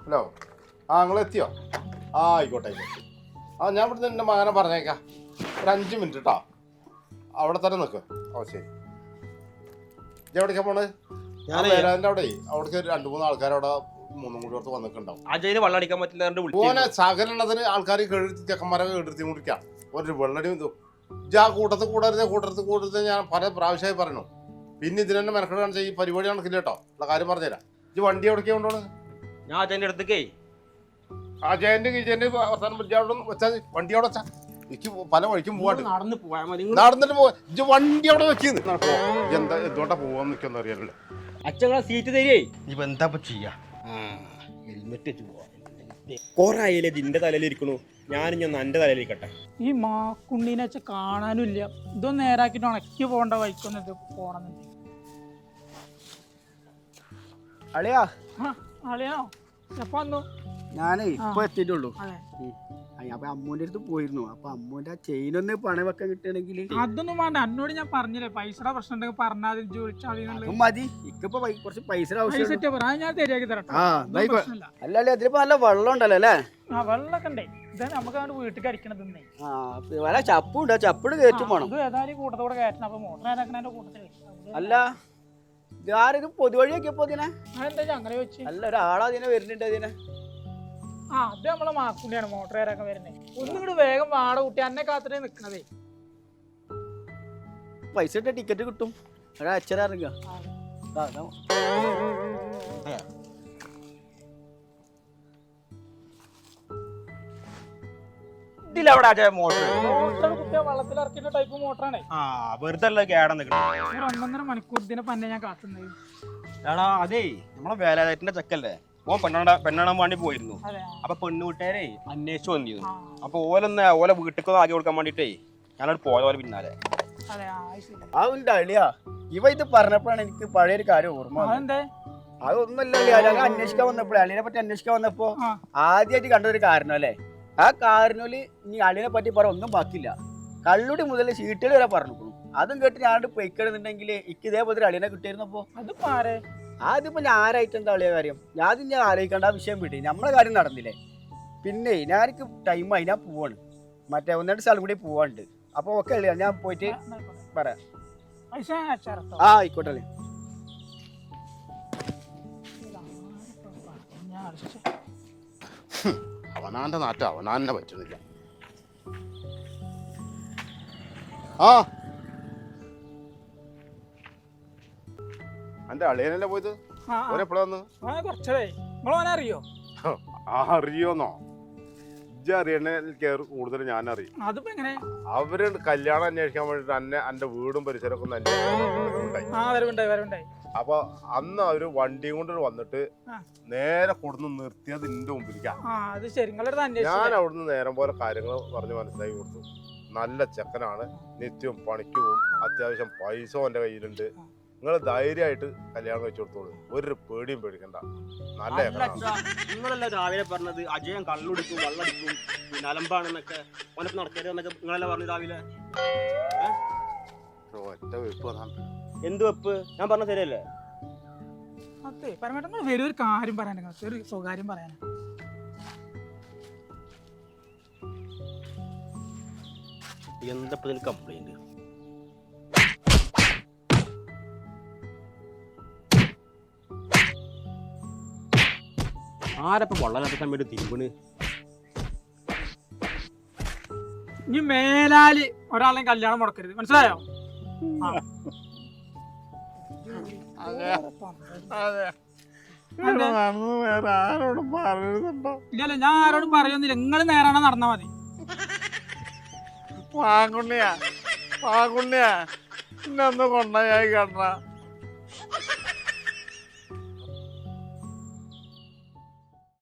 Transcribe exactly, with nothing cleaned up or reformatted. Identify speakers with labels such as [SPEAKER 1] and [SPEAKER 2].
[SPEAKER 1] Hello ആ നിങ്ങൾ എത്തിയോ? ആ ആയിക്കോട്ടെ ആയിക്കോട്ടെ. ആ ഞാൻ ഇവിടുന്ന് എൻ്റെ മകനെ പറഞ്ഞേക്കാം. ഒരു അഞ്ച് മിനിറ്റ് കേട്ടോ, അവിടെ തന്നെ നിൽക്ക്. ഓ ശരി. ഞാൻ എവിടേക്കാ പോണത്? ഞാൻ വേലാൻ്റെ അവിടെ അവിടേക്ക് രണ്ട് മൂന്ന് ആൾക്കാരവിടെ മൂന്നും കൂടി അടുത്ത് വന്നിട്ടുണ്ടാവും.
[SPEAKER 2] അജയിന് വെള്ളം അടിക്കാൻ പറ്റില്ല.
[SPEAKER 1] ഓനെ സകലത്തിന് ആൾക്കാർ കേടുത്തി ചെക്കന്മാരൊക്കെ കേടുത്തി മുടിക്കാം. ഒരു വെള്ളടി ഇജ്ജ് ആ കൂട്ടത്തിൽ കൂടരുത് കൂട്ടത്തിൽ കൂടരുത് ഞാൻ പല പ്രാവശ്യമായി പറഞ്ഞു. പിന്നെ ഇതിന് തന്നെ മെനക്കെട്ട് കാണിച്ചാൽ ഈ പരിപാടി നടക്കില്ല കേട്ടോ. ഉള്ള കാര്യം പറഞ്ഞുതരാം. ഇജ്ജ് വണ്ടി എവിടേക്കാ കൊണ്ടുപോകണം?
[SPEAKER 2] ഞാൻ അജയന്റെ അടുത്തേക്കേ
[SPEAKER 1] അജയന്റെ കിജന്റെ അവസാനം വെച്ചാൽ വണ്ടി അവിടെ വെച്ചാ എനിക്ക് പല വഴിക്കും പോവാണ്ട്.
[SPEAKER 2] നടന്ന് പോയാൽ മതി.
[SPEAKER 1] നടന്നിട്ട് പോവാ. ഇജ്ജ് വണ്ടി അവിടെ വെക്കുന്നു. എന്താ എന്തുകൊണ്ടാ പോവാന്ന് നിൽക്കുന്ന അറിയാലോ.
[SPEAKER 2] അച്ഛങ്ങളെ സീറ്റ് തരേ. ഇപ്പൊ എന്താ ചെയ്യാ? ഹെൽമെറ്റ് വെച്ച് പോവാ. കൊറേ ആയാലേ ഇതിന്റെ തലയിൽ ഇരിക്കണു. ഞാനും ഞാൻ എന്റെ തലയിലിരിക്കട്ടെ.
[SPEAKER 3] ഈ മാക്കുണ്ണീനെ വെച്ച് കാണാനും ഇല്ല. ഇതൊന്നും നേരാക്കിട്ട് ഉണക്കി പോകേണ്ട വൈക്കൊന്നും ഇത് പോണെന്നുണ്ട്.
[SPEAKER 4] അളിയാ
[SPEAKER 3] അളിയാണോ? എപ്പോ വന്നു?
[SPEAKER 4] ഞാനേ ഇപ്പൊ എത്തിയിട്ടുള്ളൂ. അപ്പൊ അമ്മൂന്റെ അടുത്ത് പോയിരുന്നു. അപ്പൊ അമ്മൂന്റെ ആ ചെയിനൊന്ന് പണം വെക്കാൻ കിട്ടണമെങ്കിൽ
[SPEAKER 3] അതൊന്നും വേണ്ട. എന്നോട് ഞാൻ പറഞ്ഞില്ലേ പൈസയുടെ പ്രശ്നം ഉണ്ടെങ്കിൽ പറഞ്ഞാൽ ചോദിച്ചാൽ
[SPEAKER 4] മതി. ഇക്കിപ്പോ കുറച്ച് പൈസ ആവശ്യം
[SPEAKER 3] ഞാൻ ശരിയാക്കി തരാം.
[SPEAKER 4] അല്ല അല്ലേ അതിലിപ്പോ നല്ല വെള്ളം ഉണ്ടല്ലോ അല്ലേ?
[SPEAKER 3] ആ വെള്ളമൊക്കെ ഉണ്ടേ. ഇതാ നമുക്ക് അവിടെ വീട്ടിൽ അടിക്കണത്.
[SPEAKER 4] ആ ചപ്പുണ്ട്. ചപ്പിട് കയറ്റും വേണം.
[SPEAKER 3] ഇത് ഏതായാലും കൂട്ടത്തോടെ കയറ്റണം. അപ്പൊ മോട്ടർ ഏതാക്കണ കൂട്ടത്തില്
[SPEAKER 4] അല്ല ഇതാരും പൊതുവഴിയൊക്കെ ഇതിനെ
[SPEAKER 3] അതെന്താ അങ്ങനെ വെച്ച്?
[SPEAKER 4] അല്ല ഒരാളാ അതിനെ വരുന്നുണ്ട് അതിനെ.
[SPEAKER 3] ആ അത് നമ്മളെ മാക്കുണ്ടിയാണ് മോട്ടർ ഏറാക്കാൻ വരുന്നത്. ഒന്നും കൂടി വേഗം വാട കൂട്ടി എന്നെ കാത്തിട്ടേ നിക്കണതേ.
[SPEAKER 4] പൈസ ഇട്ട ടിക്കറ്റ് കിട്ടും. അച്ഛനാ ഇറങ്ങുക. വെള്ളത്തിൽ ഇറക്കിയ ടൈപ്പ് മോട്ടറാണ്.
[SPEAKER 2] വെറുതെ കേടാ നിൽക്കണം.
[SPEAKER 3] ഒന്നൊന്നര മണിക്കൂർ ഇതിനെ പന്നെ ഞാൻ കാത്തുന്നത്.
[SPEAKER 2] എടാ അതേ നമ്മളെ വേലായത്തിന്റെ ചെക്കല്ലേ, ഓൻ പെണ്ണാ പെണ്ണാൻ വേണ്ടി പോയിരുന്നു. അപ്പൊ പെണ്ണുകൂട്ടുകാരെ അന്വേഷിച്ചു വന്നിരുന്നു. അപ്പൊ ഓലൊന്ന് ഓലെ വീട്ടിൽ ആക്കി കൊടുക്കാൻ വേണ്ടിട്ടേ ഞാനോട് പോയ പോലെ പിന്നാലെ.
[SPEAKER 4] അതുണ്ട് അളിയാ. ഇവ ഇത് പറഞ്ഞപ്പോഴാണ് എനിക്ക് പഴയൊരു കാര്യം ഓർമ്മ. അതൊന്നുമല്ല അന്വേഷിക്കാൻ വന്നപ്പോഴേ അളിയെ പറ്റി അന്വേഷിക്കാൻ വന്നപ്പോ ആദ്യമായിട്ട് കണ്ടൊരു കാരണം അല്ലേ. ആ കാരണോല് ഇനി അളിയെ പറ്റി പറ ഒന്നും ബാക്കിയില്ല. കള്ളുടി മുതൽ ചീട്ടുകൾ വരെ പറഞ്ഞു. അതും കേട്ട് ഞാൻ പൊയ്ക്കണമെന്നുണ്ടെങ്കിൽ എനിക്ക് ഇതേപോലെ അളിയനെ കിട്ടിയിരുന്നപ്പോ അതിപ്പോ ഞാൻ ആരായിട്ട് എന്താ അളിയ കാര്യം. ഞാൻ ഞാൻ ആലോചിക്കേണ്ട ആ വിഷയം വിട്ടി. നമ്മളെ കാര്യം നടന്നില്ലേ. പിന്നെ ഞാനിക്ക് ടൈമായി ഞാൻ പോവാണ്. മറ്റേ ഒന്നിട്ട് സ്ഥലം കൂടി പോവാണ്ട്. അപ്പൊ ഓക്കെ അളിയാ ഞാൻ പോയിട്ട് പറയാം. ആ ആയിക്കോട്ടെ അല്ലേ.
[SPEAKER 1] അവനാന്റെ നാട്ട അവനാന്നെ പറ്റുന്നില്ല. ആ എന്റെ അളിയനല്ലേ പോയത്? ഓരെപ്പോഴാ വന്ന്?
[SPEAKER 3] അറിയോ?
[SPEAKER 1] അറിയോന്നോ? ഇജ്ജ് അറിയണ കൂടുതൽ ഞാൻ അറിയും.
[SPEAKER 3] അതിപ്പോ എങ്ങനെ?
[SPEAKER 1] അവര് കല്യാണം അന്വേഷിക്കാൻ വേണ്ടിട്ട് എന്നെ എന്റെ വീടും പരിസരമൊക്കെ ഒന്ന് അന്വേഷിച്ചു. അപ്പൊ അന്ന് അവര് വണ്ടിയും കൊണ്ട് വന്നിട്ട് നേരെ കൊടുന്ന് നിർത്തിയത് എന്റെ മുമ്പിലേക്കാ. ഞാൻ അവിടുന്ന് നേരം പോലെ കാര്യങ്ങൾ പറഞ്ഞ് മനസ്സിലാക്കി കൊടുത്തു. നല്ല ചെക്കനാണ്, നിത്യവും പണിക്ക് പോവും, അത്യാവശ്യം പൈസ എന്റെ കയ്യിലുണ്ട്, നിങ്ങൾ ധൈര്യമായിട്ട് കല്യാണം കഴിച്ചു കൊടുത്തോളൂ, ഒരു പേടിയും പേടിക്കണ്ട, നല്ല
[SPEAKER 2] നിങ്ങളല്ല രാവിലെ പറഞ്ഞത് അജയൻ കള്ളുടിക്കും വെള്ളടിക്കും പിന്നെ അലമ്പാണെന്നൊക്കെ ഓനൊക്കെ നടക്കരുതെന്നൊക്കെ നിങ്ങളല്ല പറഞ്ഞു രാവിലെ.
[SPEAKER 1] ഒറ്റ വെപ്പ്.
[SPEAKER 2] എന്ത് വെപ്പ്? ഞാൻ പറഞ്ഞ ശരിയല്ലേ?
[SPEAKER 3] അതെ പരമേട്ടൻ വലിയൊരു കാര്യം പറയാൻ ഒരു സ്വകാര്യം പറയാനാ.
[SPEAKER 2] എന്താ കംപ്ലൈന്റ്? ആരപ്പം വെള്ളം വേണ്ടി തിരുമ്പണ്?
[SPEAKER 3] ഇനി മേലാല് ഒരാളെയും കല്യാണം മുടക്കരുത്, മനസ്സിലായോ? ഇല്ലല്ല ഞാൻ ആരോടും പറയുന്നില്ല. നിങ്ങൾ നേരാണോ നടന്നാ മതി.
[SPEAKER 1] വാങ്ങുണ്ണിയാ വാങ്ങുണ്ണിയാ ഇന്നൊന്ന് കൊണ്ടായി കണ്ട